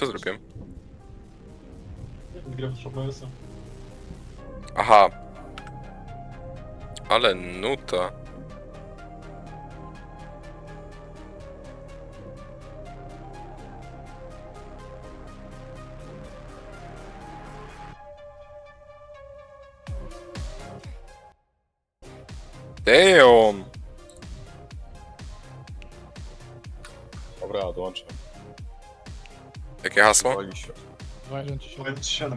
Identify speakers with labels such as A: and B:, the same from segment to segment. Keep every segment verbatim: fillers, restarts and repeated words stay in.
A: Co zrobiłem?
B: Gram z O B S-em.
A: Aha. Ale nuta. Damn!
C: Dobra, dołączam.
A: Jakie hasło?
C: Wali się.
D: dwa jeden trzy siedem.
B: Powiedz siedem.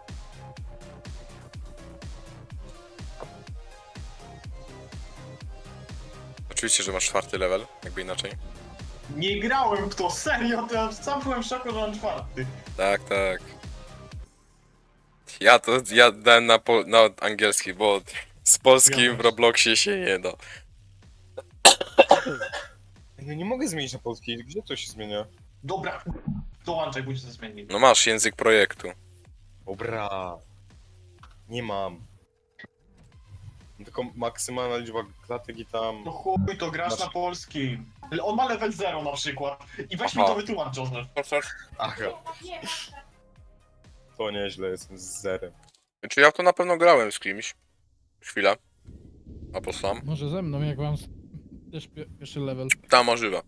A: Oczywiście, że masz czwarty level, jakby inaczej.
B: Nie grałem w to, serio, to ja sam byłem w szoku, że mam czwarty.
A: Tak, tak. Ja to, ja dałem na, po, na angielski, bo z polskim w Robloxie się nie da.
C: Ja nie mogę zmienić na polski, gdzie to się zmienia?
B: Dobra, dołączaj, pójdź ze zmienić.
A: No masz język projektu.
C: Dobra. Nie mam. Tylko maksymalna liczba klatek i tam...
B: No chuj, to grasz
C: Masz-
B: na polski. On ma level zero na przykład. I weź
A: Aha.
B: mi to wytłumacz, Joseph.
C: Aha. To nieźle, jestem z zerem.
A: Czy ja w to na pewno grałem z kimś? Chwila. Albo sam.
D: Może ze mną, jak mam s- też pie pierwszy level.
A: Ta możliwe.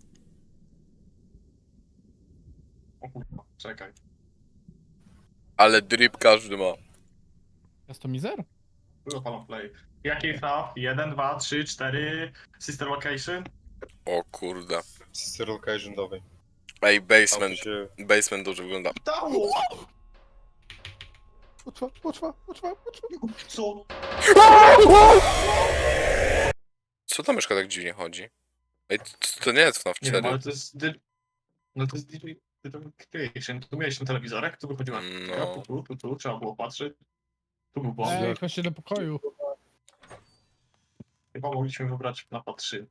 B: O kurwa, czekaj.
A: Ale drip każdy ma.
D: Customizer?
B: Było pana play. Jaki etap? jeden, dwa, trzy, cztery. Sister location?
A: O kurde.
C: Sister location nowej.
A: Ej,
C: Tam
A: basement.
C: się...
A: Basement dobrze wygląda.
B: Dało!
D: Poczwa, poczwa, poczwa, poczwa.
B: Co?
A: Co ta myszka tak dziwnie chodzi? Ej, to, to nie jest FNAF
B: Nie wiem,
A: cztery.
B: ale to jest... dy- No to jest D J Creation. Tu miałeś ten telewizorek, tu wychodziła.
A: No.
B: Tu, tu, tu, tu, trzeba było patrzeć. Tu był boss.
D: Ej, chodźcie do pokoju.
B: Chyba mogliśmy wybrać mapa trzy.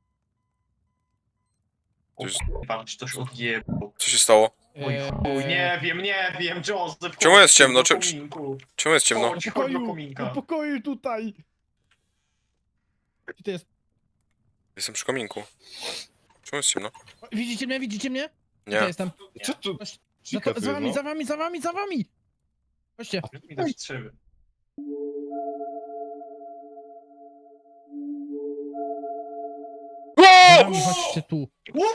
B: O
A: To jest-
B: kurwa, ci coś odjebał.
A: Co się stało?
B: Oj
D: Eee,
B: chuj, nie wiem, nie wiem, Joseph.
A: Czemu
B: chodź
A: jest ciemno?
B: do
A: Czemu-
B: kominku.
A: Czemu jest ciemno?
B: Chodź,
D: Do
B: chodź do
D: pokoju,
B: kominka.
D: do pokoju tutaj. Gdzie to jest?
A: Jestem przy kominku. Czemu jest ciemno?
D: O, widzicie mnie, widzicie mnie?
A: Nie.
D: Ja jestem.
C: Co tu?
D: Chodź, za,
C: Cika
D: to,
C: tu
D: za
C: jest,
D: wami,
C: no.
D: za wami, za wami, za wami. Chodźcie.
B: Widać strzywy.
D: Za wami, chodźcie tu.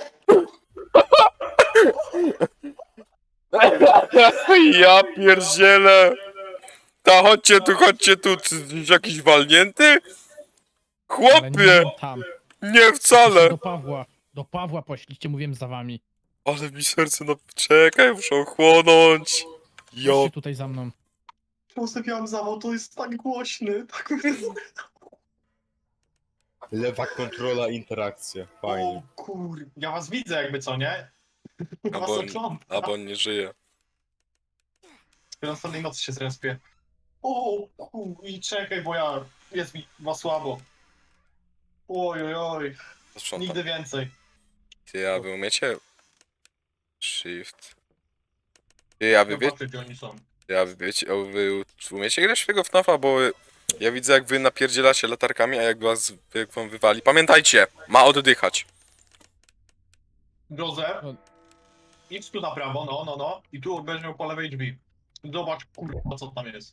A: Ja pierdzielę! Ta, chodźcie tu, chodźcie tu, ty jesteś jakiś walnięty?
D: Ale
A: Chłopie!
D: nie tam.
A: Nie wcale!
D: Do Pawła. Do Pawła pośliście, mówiłem za wami.
A: Ale mi serce, no czekaj, muszę ochłonąć. Jo,
D: Chodźcie tutaj za mną.
B: Joseph, ja mam zawał, to jest tak głośny. Tak...
C: Lewa kontrola, interakcja. Fajnie.
B: O kur... Ja was widzę jakby, co nie? Ja was
A: Albo-
B: oglądam.
A: albo on nie żyje.
B: Ja następnej nocy się zrespię. O kur... I czekaj, bo ja... Jest mi ma słabo. Oj, oj, oj.
A: Posprzątam.
B: Nigdy więcej.
A: Ty, a wy umiecie? Shift. Ty, a wy wiecie?
B: Zobaczcie, gdzie oni są.
A: Ja wy wiecie, a wy umiecie grać w tego FNAFa, bo ja widzę jak wy napierdzielacie latarkami, a jak was jak wam wywali. Pamiętajcie, ma oddychać.
B: Joseph,
D: O.
B: idź tu na prawo, no, no, no. I tu będziesz miał po lewej drzwi. Zobacz, kurwa, co tam jest.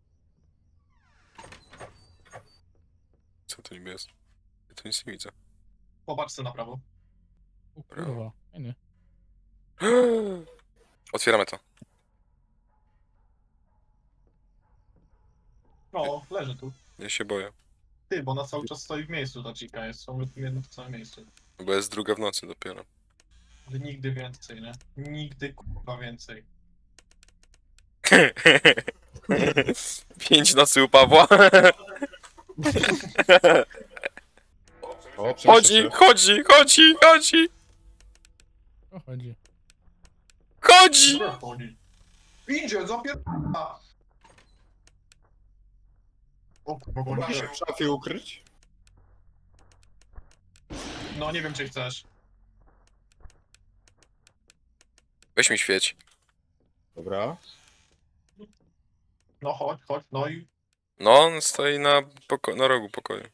A: Co to niby jest? Ja tu nic nie widzę.
B: Popatrz sobie na prawo.
D: O kurwa, fajny.
A: Otwieramy to.
B: No, leży tu.
A: Ja się boję.
B: Ty, bo ona cały czas stoi w miejscu, ta chica jest ciągle w jednym w samym miejscu.
A: Bo jest druga w nocy dopiero.
B: Ale nigdy więcej, nie? Nigdy kurwa więcej.
A: Pięć nocy u Pawła.
C: O,
A: Chodzi, chodzi, chodzi, chodzi,
D: O chodzi.
A: chodzi!
B: Gdzie chodzi? Idzie, zapierdala! O kurwa, bo
C: Mogę się w szafie ukryć?
B: No nie wiem, czy chcesz.
A: Weź mi świeć.
C: Dobra.
B: No chodź, chodź, no i...
A: No, on stoi na, poko- na rogu pokoju.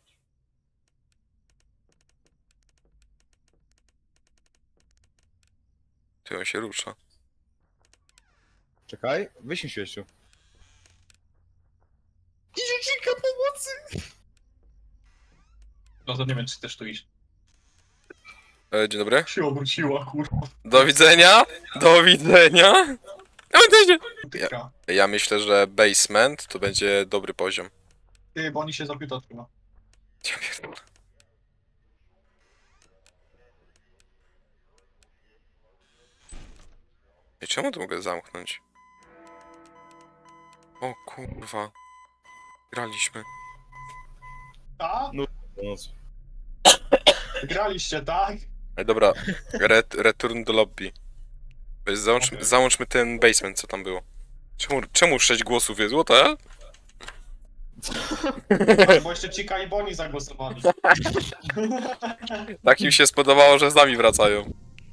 A: Ty, on się rusza.
C: Czekaj, wyślij świeciu. Idzie Chica pomocy!
B: No to nie wiem, czy chcesz tu iść.
A: E, dzień dobry.
B: Się obróciła, kurwa.
A: Do widzenia. Do widzenia. Do widzenia.
B: Tyka.
A: Ja myślę, że basement to będzie dobry poziom.
B: Ty, bo oni się zapiuta chyba.
A: Ja pierdolę. I czemu to mogę zamknąć? O kurwa. Graliśmy.
B: A?
C: Pomoc.
B: Graliście, tak?
A: Ej, dobra. Ret, return do lobby. Weź, Załączmy,
B: Okej.
A: załączmy ten basement, co tam było. Czemu, czemu sześć głosów jest? What the hell?
B: Tak, bo jeszcze Cika i Boni zagłosowali.
A: Tak im się spodobało, że z nami wracają.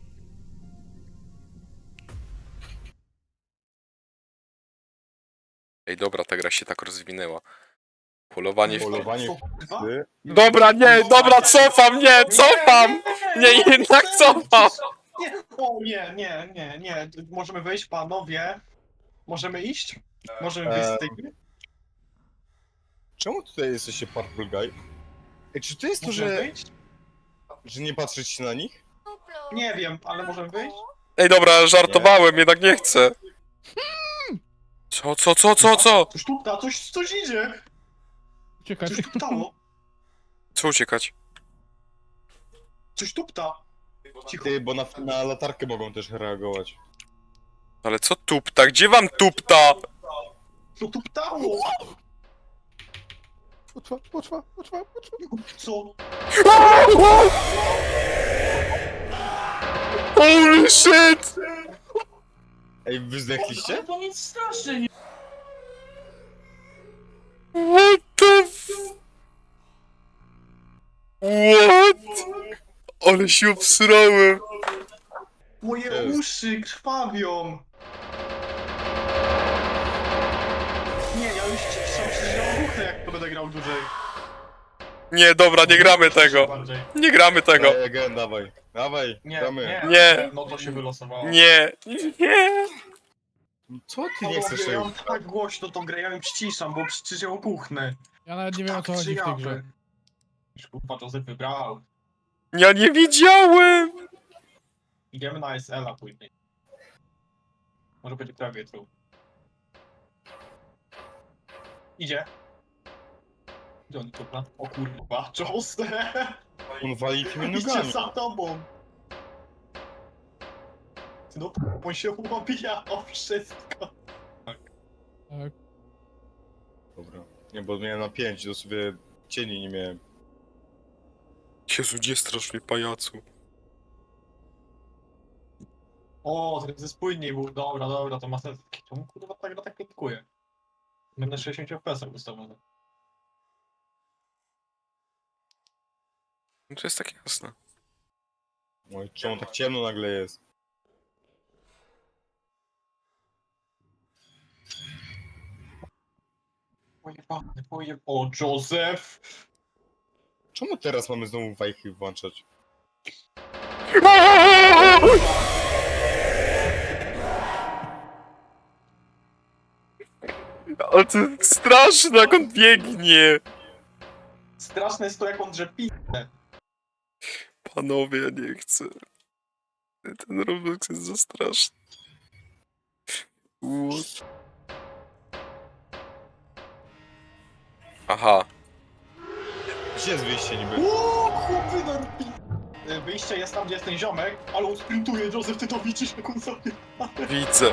A: Ej, dobra, ta gra się tak rozwinęła. Polowanie w...
C: Polowanie w
B: Kurwa?
C: psy.
A: Dobra, nie, dobra, cofam, nie, cofam! Nie, jednak cofam!
B: Nie, o nie, nie, nie, nie. Możemy wyjść, panowie. Możemy iść? Możemy wyjść z tej gry?
C: Czemu tutaj jesteście Purple Guy? Ej, czy to jest to,
B: Możemy
C: że,
B: wyjść?
C: że nie patrzeć na nich?
B: Nie wiem, ale możemy wyjść?
A: Ej, dobra, żartowałem, jednak nie chcę. Co, co, co, co, co?
B: Coś tupta, coś, coś idzie!
D: Uciekać.
B: Coś tuptało!
A: Co uciekać?
B: Coś tupta! Cicho.
C: Ty, bo na, na latarkę mogą też reagować.
A: Ale co tupta? Gdzie wam tupta?
B: Co tuptało?
D: Poczwa, poczwa, poczwa, poczwa.
B: Co?
A: Holy shit!
C: Ej, wy zdechliście?
B: To nic strasznie nie...
A: What the f... What? Ale się obsrałem.
B: Moje
C: Jest.
B: uszy krwawią! Nie, ja już ciszam się, że ja ruchnę, jak to będę grał dłużej.
A: Nie, dobra, nie gramy tego.
B: Bardziej.
A: Nie gramy tego.
C: Daj, again, dawaj. Dawaj,
B: Nie,
C: gramy.
B: nie,
A: Nie.
B: No to się wylosowało.
A: Nie, nie.
C: Co ty nie chcesz
B: Ja
C: tego?
B: mam tak głośno tą grę, ja ją ściszam, bo przecież ją kuchnę.
D: Ja nawet nie wiem o co
B: Tak
D: chodzi w tej
B: czy
D: grze.
B: jawy. Już kurwa Joseph wybrał.
A: Ja nie widziałem.
B: Idziemy na S L a później. Może będzie prawie true. Idzie. Gdzie on kurwa? O kurwa, Joseph!
C: On wali tymi
B: Idzie
C: nogami.
B: za tobą! No, on się łobija o wszystko.
D: Tak.
C: Dobra. Nie, bo miałem na pięć, to sobie cieni nie miałem.
A: Jezu, nie strasz mnie, pajacu.
B: O, ten ze spójniej był. Dobra, dobra, to ma sens. Czemu kurwa ta gra tak klitkuje? Będę sześćdziesiąt F P S ustawiony.
A: No to jest tak jasne.
C: Oj, czemu tak ciemno nagle jest?
B: Pojebany, pojeb... O, Joseph!
C: Czemu teraz mamy znowu wajchy włączać?
A: Ale to straszne, jak on biegnie.
B: Straszne jest to, jak on drzepi.
A: Panowie, ja nie chcę. Ten Roblox jest za straszny. What? Aha.
C: Gdzie jest wyjście niby?
B: Uuu, chłopy narpi! Wyjście jest tam, gdzie jest ten ziomek, ale on sprintuje, Joseph, ty to widzisz, jak on sobie...
A: Widzę.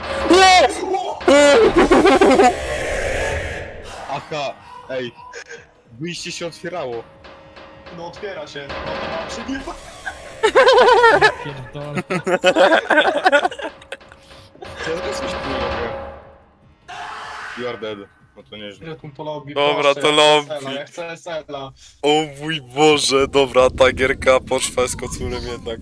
C: Aha! Ej! Wyjście się otwierało.
B: No otwiera się, no to mam przegrywa.
D: Pierdolę.
C: Co ja teraz coś tu robię? You are dead. No to nieźle.
B: Ile tu to lobby?
A: Dobra,
B: Proszę,
A: to
B: ja chcę
A: lobby.
B: S L a, Ja chcę S L a.
A: O mój Boże, dobra, ta gierka poszła z kocurem jednak.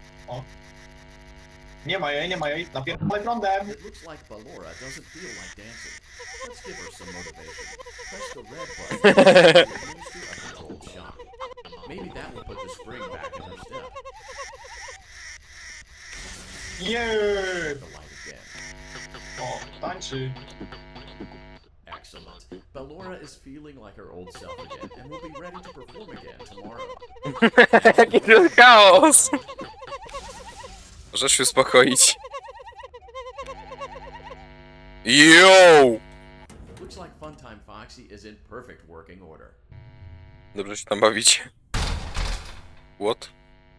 B: Nie ma jej, nie ma jej, napierdolę prądem.
E: It looks like Ballora doesn't feel like dancing. Let's give her some motivation. Press the red button to administer a controlled shock. Maybe that will put the spring back in her step.
B: Yeah!
E: The light again.
B: O, ta tańczy.
E: Excellent. Ballora is feeling like her old self again and will be ready to perform again tomorrow.
A: Jaki to chaos! Możesz się uspokoić. Yo!
E: Looks like Funtime Foxy is in perfect working order.
A: Dobrze się tam bawicie. What?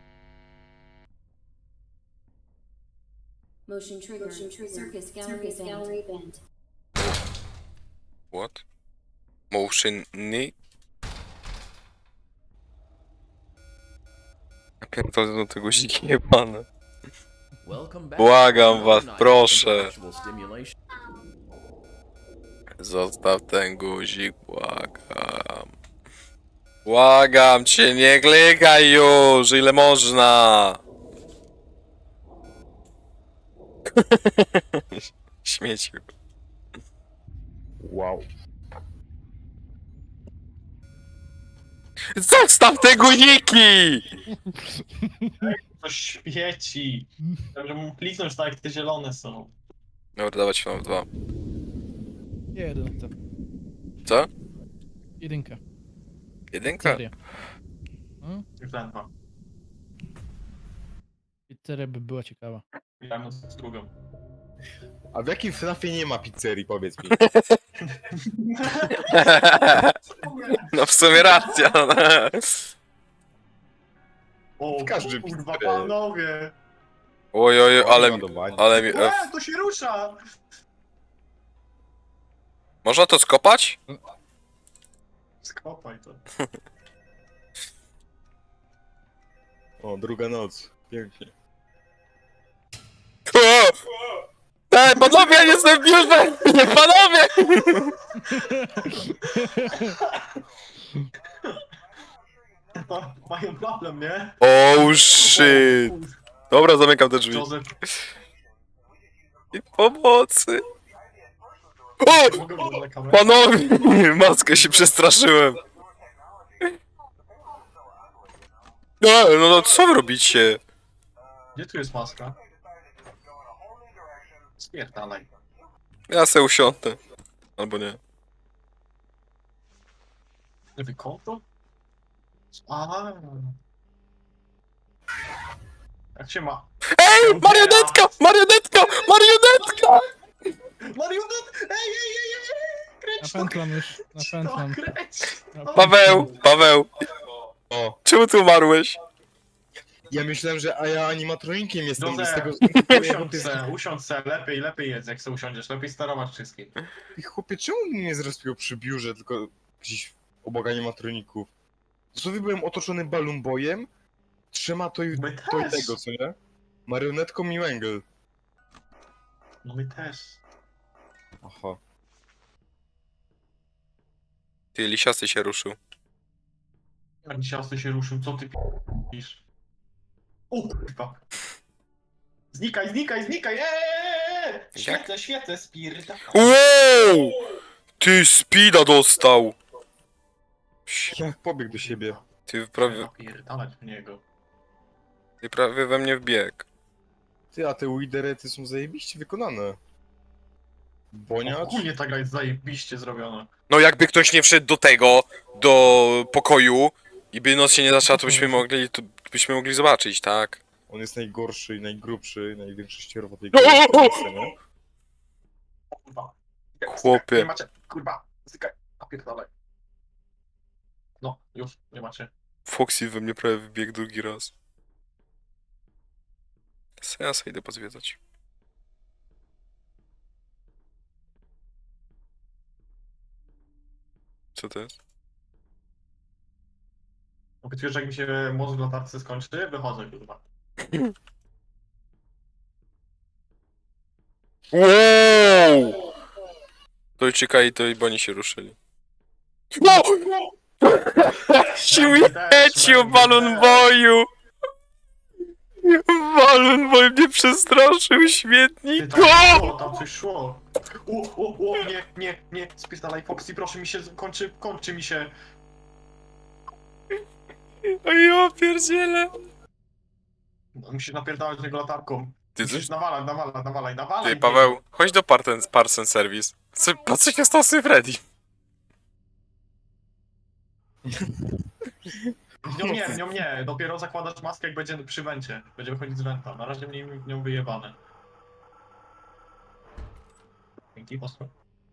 F: Motion trigger. Motion trigger. Circus gallery Circus gallery band.
A: What? Motion ni? Ja pierdolę do tego guziki jebane.
E: Welcome back.
A: Błagam
E: to
A: was,
E: another night of
A: proszę.
E: intellectual stimulation.
A: Zostaw ten guzik, błagam. Błagam cię, nie klikaj już, ile można. Śmieciu.
C: Wow.
A: Zostaw te guziki!
B: To świeci. Dobrze mu kliknąć tak jak te zielone są.
A: Dobra, dawać wam dwa.
D: Jeden. to.
A: Co?
D: Jedynka.
A: Jedynka?
D: Seria. No?
B: Już ten dwa.
D: Pizzeria by była ciekawa.
B: Ja mu z drugą.
C: A w jakim FNAFie nie ma pizzerii, powiedz mi?
A: No w sumie racja.
B: O,
C: W każdym
B: kurwa,
C: pizzerii.
B: panowie!
A: Oj, oj, ale mi,
C: Ładowanie.
A: ale mi...
B: Łe, to się rusza!
A: Można to skopać?
B: Skopaj to.
C: O, druga noc. Pięknie.
A: O! Ej, panowie, ja nie jestem w biurze! Nie, panowie!
B: Ma, mają problem, nie?
A: Oh shit! Dobra, zamykam te drzwi.
B: Joseph,
A: I pomocy! O!
B: mogę wziąć na kamerę?
A: Panowie! Maskę się przestraszyłem. No, no, no co wy robicie?
B: Gdzie tu jest maska? Spierdalaj.
A: Ja se usiądę. Albo nie.
B: Lewy konto? A. Jak się ma?
A: Ej! Marionetka! Marionetka! Marionetka!
B: Marionet! Ej, ej, ej, ej, ej! Kręć to!
D: Napętlam już,
B: kręć
D: napętlam.
B: to, kręć!
D: napętlam.
A: Paweł! Paweł!
C: O,
A: Czemu ty umarłeś?
C: ja myślałem, że a ja animatronikiem jestem i z tego...
B: Usiądź se, usiądź se, lepiej, lepiej jest jak se usiądziesz, lepiej sterować wszystkim.
C: I chłopie, czemu mnie nie zrespiło przy biurze, tylko gdzieś obok animatroników? Dosłownie byłem otoczony balloon boyem, trzema to i,
B: My
C: to i
B: też.
C: tego, co nie? Marionetką i węgiel.
B: No my też.
C: Aha.
A: Ty, lisiasty się ruszył.
B: Jak ciasty się ruszył, co ty p***isz? O kurwa! Znikaj, znikaj, znikaj! Eee! Świetle, świetle, spierdala.
A: Wow! Ty speeda dostał!
C: Jak pobiegł do siebie.
A: Ty prawie,
B: Napierdalać w niego.
A: ty prawie we mnie wbiegł.
C: Ty, a te widerety są zajebiście wykonane. Boniacz?
B: Ogólnie ta gra jest zajebiście zrobiona.
A: No jakby ktoś nie wszedł do tego, do pokoju i by noc się nie zaczęła, to byśmy mogli, to byśmy mogli zobaczyć, tak?
C: On jest najgorszy, najgrubszy, największy ścierwo tej
A: No!
C: gry. nie?
B: Kurwa.
A: Chłopie.
B: Nie macie, kurwa, zykaj, napierdalaj. No, już, nie macie.
A: Foxy we mnie prawie wybiegł drugi raz. Se ja se idę pozwiedzać. Co to jest?
B: Obiecuję, że jak mi się mózg w latarce skończy, wychodzę, kurwa.
A: Wow! To i czekaj, to i bo oni się ruszyli. No! Śmieciu, balon boju! Balon boy mnie przestraszył,
B: Ty,
A: śmietnik!
B: tam coś
A: O!
B: szło, tam coś szło. O, o, o, nie, nie, nie, spierdalaj Foxy, proszę mi się, kończy, kończy mi się.
A: O ja pierdzielę!
B: Musisz napierdalać tego latarką.
A: Ty
B: Musisz
A: coś?
B: nawalać, nawalać, nawalaj, nawalaj.
A: Ty, Paweł, chodź do Parten, Parsen Service. Co, patrz jak ja stał sobie Freddy.
B: W nią nie, w nią nie. Dopiero zakładasz maskę, jak będzie przy wencie. Będzie wychodzić z wenta. Na razie mnie w nią wyjebane. Dzięki, posłuchaj.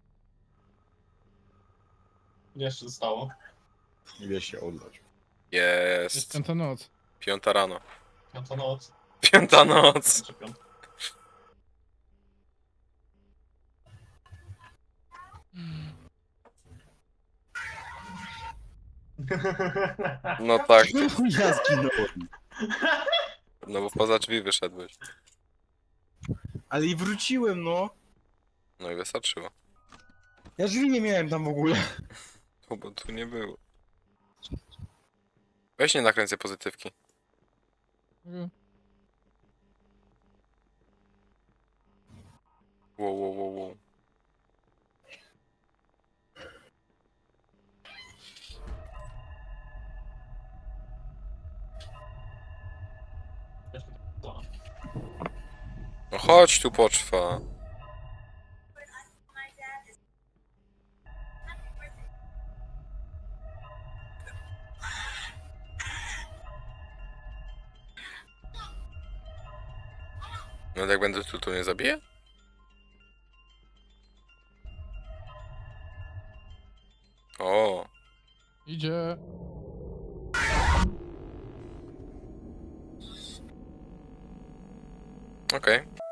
B: Ile jeszcze zostało?
C: Ile się oddać.
A: Jest.
D: Jest piąta noc.
A: Piąta rano.
B: Piąta noc.
A: Piąta noc.
B: Jeszcze piąta.
A: No tak,
C: Ja zginąłem.
A: no bo poza drzwi wyszedłeś.
C: Ale i wróciłem, no.
A: No i wystarczyło.
C: Ja drzwi nie miałem tam w ogóle.
A: O, bo tu nie było. Weź nie nakręcę pozytywki.
D: Mhm.
A: Wow, wow, wow, wow. No chodź tu, poczwa. No jak będę tu, to nie zabiję? O,
D: Idzie.
A: okej.